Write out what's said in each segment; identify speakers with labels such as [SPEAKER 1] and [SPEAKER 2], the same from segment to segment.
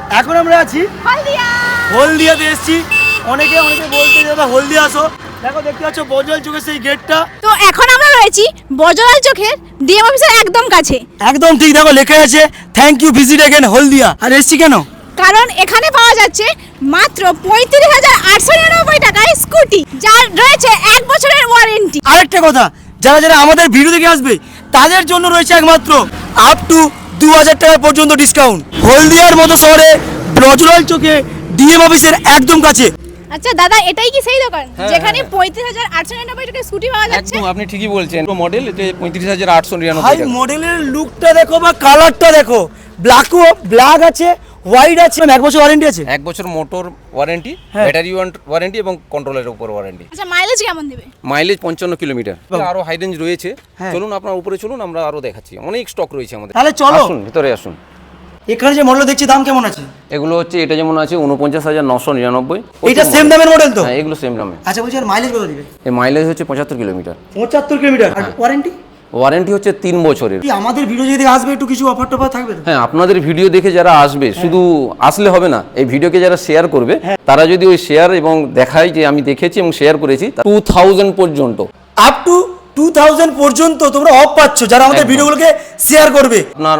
[SPEAKER 1] এখন আমরা আছি হলদিয়াতে এসেছি। অনেকে বলতে দাদা হলদিয়া আসো, দেখো দেখতে পাচ্ছ বজল চোখের সেই গেটটা।
[SPEAKER 2] তো এখন আমরা রয়েছি বজলাল চোখের ডিএম অফিসের একদম কাছে।
[SPEAKER 1] একদম ঠিক, দেখো লেখা আছে thank you visit again Haldia. আর এসছি কেন?
[SPEAKER 2] কারণ এখানে পাওয়া যাচ্ছে মাত্র 35,899 টাকায় স্কুটি, যার রয়েছে 1 বছরের ওয়ারেন্টি।
[SPEAKER 1] আরেকটা কথা, যারা যারা আমাদের ভিডিও দেখে আসবে তাদের জন্য রয়েছে একমাত্র আপ টু 2000 টাকা পর্যন্ত ডিসকাউন্ট। হলদিয়ার মতো শহরে বজলাল চোখে ডিএম অফিসের একদম কাছে।
[SPEAKER 2] আচ্ছা দাদা, এটাই কি সেই দোকান যেখানে 35,899 টাকায় স্কুটি পাওয়া যাচ্ছে?
[SPEAKER 3] একদম, আপনি ঠিকই বলছেন। মডেল এটা 35,899
[SPEAKER 1] ভাই
[SPEAKER 3] টাকা।
[SPEAKER 1] মডেলের লুকটা দেখো বা কালারটা দেখো, ব্ল্যাক আছে, হোয়াইট আছে, 1 বছর ওয়ারেন্টি আছে।
[SPEAKER 3] 1 বছর মোটর ওয়ারেন্টি,
[SPEAKER 1] হ্যাঁ।
[SPEAKER 3] ব্যাটারি ওয়ারেন্টি এবং কন্ট্রোলের উপর ওয়ারেন্টি।
[SPEAKER 2] আচ্ছা মাইলেজ কেমন দেবে?
[SPEAKER 3] Mileage 55 kilometre. আরো হাই রেঞ্জ রয়েছে।
[SPEAKER 1] হ্যাঁ।
[SPEAKER 3] চলুন আপনার উপরে চলুন, আমরা আরো দেখাচ্ছি। অনেক স্টক রয়েছে আমাদের।
[SPEAKER 1] তাহলে চলো
[SPEAKER 3] আসুন ভিতরে আসুন।
[SPEAKER 1] এখানে যে মডেল দেখছি দাম কেমন আছে?
[SPEAKER 3] এগুলো হচ্ছে, এটা যেমন আছে 49,999।
[SPEAKER 1] এটা সেম দামের মডেল তো?
[SPEAKER 3] হ্যাঁ, এগুলো সেম দামে।
[SPEAKER 1] আচ্ছা বলছি আর মাইলেজ কত দিবে?
[SPEAKER 3] এই মাইলেজ হচ্ছে 75 কিলোমিটার।
[SPEAKER 1] 75 কিলোমিটার। আর ওয়ারেন্টি?
[SPEAKER 3] ওয়ারেন্টি হচ্ছে 3 বছরের।
[SPEAKER 1] কি আমাদের ভিডিও যদি আসবে একটু কিছু অফার টফার থাকবে তো?
[SPEAKER 3] হ্যাঁ, আপনাদের ভিডিও দেখে যারা আসবে, শুধু আসলে হবে না, এই ভিডিওকে যারা শেয়ার করবে, তারা যদি ওই শেয়ার এবং দেখায় যে আমি দেখেছি এবং শেয়ার করেছি, 2000 পর্যন্ত,
[SPEAKER 1] আপ টু 2000 পর্যন্ত তোমরা অফ পাচ্ছ যারা আমাদের
[SPEAKER 3] একদম।
[SPEAKER 1] ভিডিওগুলোকে শেয়ার করবে।
[SPEAKER 3] আপনার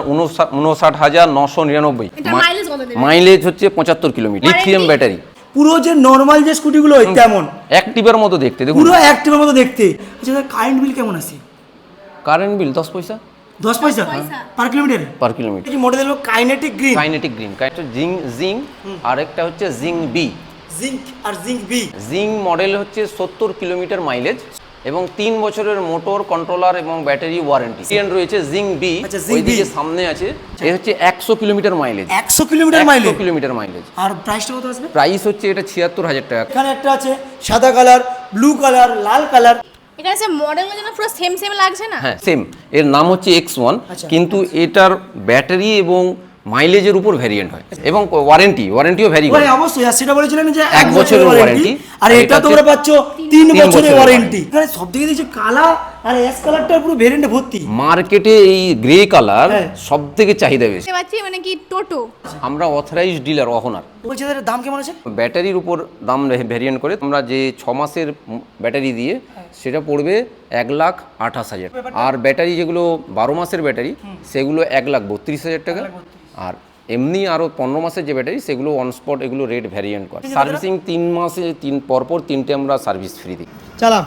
[SPEAKER 3] 59,999।
[SPEAKER 2] এটা মাইলেজ কত দেবে?
[SPEAKER 3] মাইলেজ হচ্ছে 75 কিলোমিটার। লিথিয়াম ব্যাটারি,
[SPEAKER 1] পুরো যে নরমাল যে স্কুটিগুলো হয় তেমন,
[SPEAKER 3] অ্যাক্টিভের মতো দেখতে। দেখুন
[SPEAKER 1] পুরো অ্যাক্টিভের মতো দেখতে। আচ্ছা কারেন্ট বিল কেমন আসে?
[SPEAKER 3] Current bill 10 paisa
[SPEAKER 1] 10 paisa per kilometre.
[SPEAKER 3] Per kilometre.
[SPEAKER 1] এই মডেল হলো কাইনেটিক গ্রিন।
[SPEAKER 3] কাইনেটিক গ্রিন, একটা জিং আর একটা হচ্ছে জিং বি।
[SPEAKER 1] জিঙ্ক আর জিঙ্ক বি।
[SPEAKER 3] জিং মডেল হচ্ছে 70 কিলোমিটার মাইলেজ এবং 3 বছরের মোটর কন্ট্রোলার এবং ব্যাটারি ওয়ারেন্টি। সিএন রয়েছে জিং বি,
[SPEAKER 1] আচ্ছা, জিং
[SPEAKER 3] ওইদিকে
[SPEAKER 1] বি।
[SPEAKER 3] সামনে আছে। এই হচ্ছে 100 kilometre mileage.
[SPEAKER 1] 100 kilometre mileage.
[SPEAKER 3] 100 kilometre mileage.
[SPEAKER 1] আর প্রাইসটা কত আসবে?
[SPEAKER 3] প্রাইস হচ্ছে এটা 76,000 টাকা।
[SPEAKER 1] এখানে একটা আছে সাদা কালার, ব্লু কালার, লাল কালার।
[SPEAKER 2] এখানে যে মডেলগুলো যেন পুরো সেম সেম লাগছে না?
[SPEAKER 3] হ্যাঁ সেম, এর নাম হচ্ছে X1,
[SPEAKER 1] আচ্ছা।
[SPEAKER 3] কিন্তু এটার ব্যাটারি এবং মাইলেজের উপর ভ্যারিয়েন্ট হয় এবং ওয়ারেন্টিও ভ্যারি করে।
[SPEAKER 1] মানে অবশ্যই, আর সেটা বলেছিলেন যে
[SPEAKER 3] 1 বছরের ওয়ারেন্টি,
[SPEAKER 1] আর
[SPEAKER 3] আর
[SPEAKER 1] এটা
[SPEAKER 3] এটা
[SPEAKER 1] তোমরা
[SPEAKER 3] হচ্ছে
[SPEAKER 1] পাচ্ছ 3 বছরের
[SPEAKER 3] বছরের
[SPEAKER 1] ওয়ারেন্টি। এখানে সবথেকে দেখছি কালা আর অ্যাশ কালারটা পুরো ভেরিয়েন্টে ভর্তি।
[SPEAKER 3] মার্কেটে এই গ্রে কালার
[SPEAKER 1] হ্যাঁ।
[SPEAKER 3] সব থেকে চাহিদা বেশি।
[SPEAKER 2] দেখতে পাচ্ছি মানে কি টোটো।
[SPEAKER 3] আমরা অথরাইজড ডিলার অহনার।
[SPEAKER 1] বলছি এটার দাম কেমন আছে?
[SPEAKER 3] ব্যাটারির উপর দাম ভ্যারিয়েন্ট করে। আমরা যে 6 মাসের ব্যাটারি দিয়ে সেটা পড়বে 1,28,000। আর ব্যাটারি যেগুলো 12 মাসের ব্যাটারি সেগুলো 1,32,000 টাকা। আর এমনি আরও 15 মাসের যে ব্যাটারি সেগুলো অন স্পট, এগুলো রেট ভ্যারিয়েন্ট করে। সার্ভিসিং 3 মাসে পরপর 3টে আমরা সার্ভিস ফ্রি দিই।
[SPEAKER 1] চালা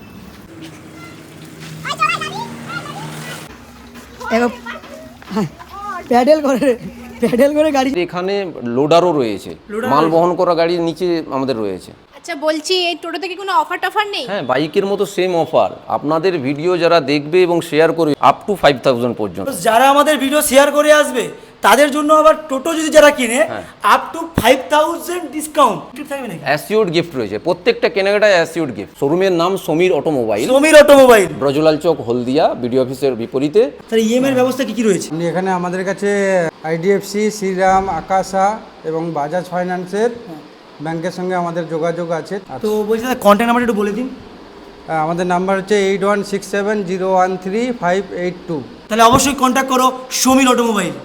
[SPEAKER 1] প্যাডেল করে গাড়ি।
[SPEAKER 3] এখানে লোডারও রয়েছে, মাল বহন করা গাড়ির নিচে আমাদের রয়েছে।
[SPEAKER 2] আচ্ছা বলছি এই টোটোতে কি কোনো অফার টফার নেই?
[SPEAKER 3] হ্যাঁ, বাইকের মতো সেম অফার। আপনাদের ভিডিও যারা দেখবে এবং শেয়ার করবে আপ টু 5,000 পর্যন্ত।
[SPEAKER 1] যারা আমাদের ভিডিও শেয়ার করে আসবে তাদের জন্য আবার টোটো যদি যারা কিনে আপ টু 5,000 ডিসকাউন্ট থাকবে নাকি?
[SPEAKER 3] অ্যাসিওর্ড গিফট রয়েছে, প্রত্যেকটা কেনাকাটায় অ্যাসিওর্ড গিফট। শোরুমের নাম Sameer automobile,
[SPEAKER 1] Sameer automobile,
[SPEAKER 3] Brajlal Chak, Haldia, BDO অফিসের বিপরীতে।
[SPEAKER 1] তাহলে ইএমআই এর ব্যবস্থা কি কি রয়েছে?
[SPEAKER 4] এখানে আমাদের কাছে আইডিএফসি, শ্রীরাম, আকাশা এবং বাজাজ ফাইন্যান্সের ব্যাংকের সঙ্গে আমাদের যোগাযোগ আছে।
[SPEAKER 1] তো বলছি দাদা কন্ট্যাক্ট নাম্বারটা একটু বলে দিন।
[SPEAKER 4] আমাদের নাম্বার হচ্ছে 8167013582।
[SPEAKER 1] তাহলে অবশ্যই কন্ট্যাক্ট করো সমীর অটোমোবাইল।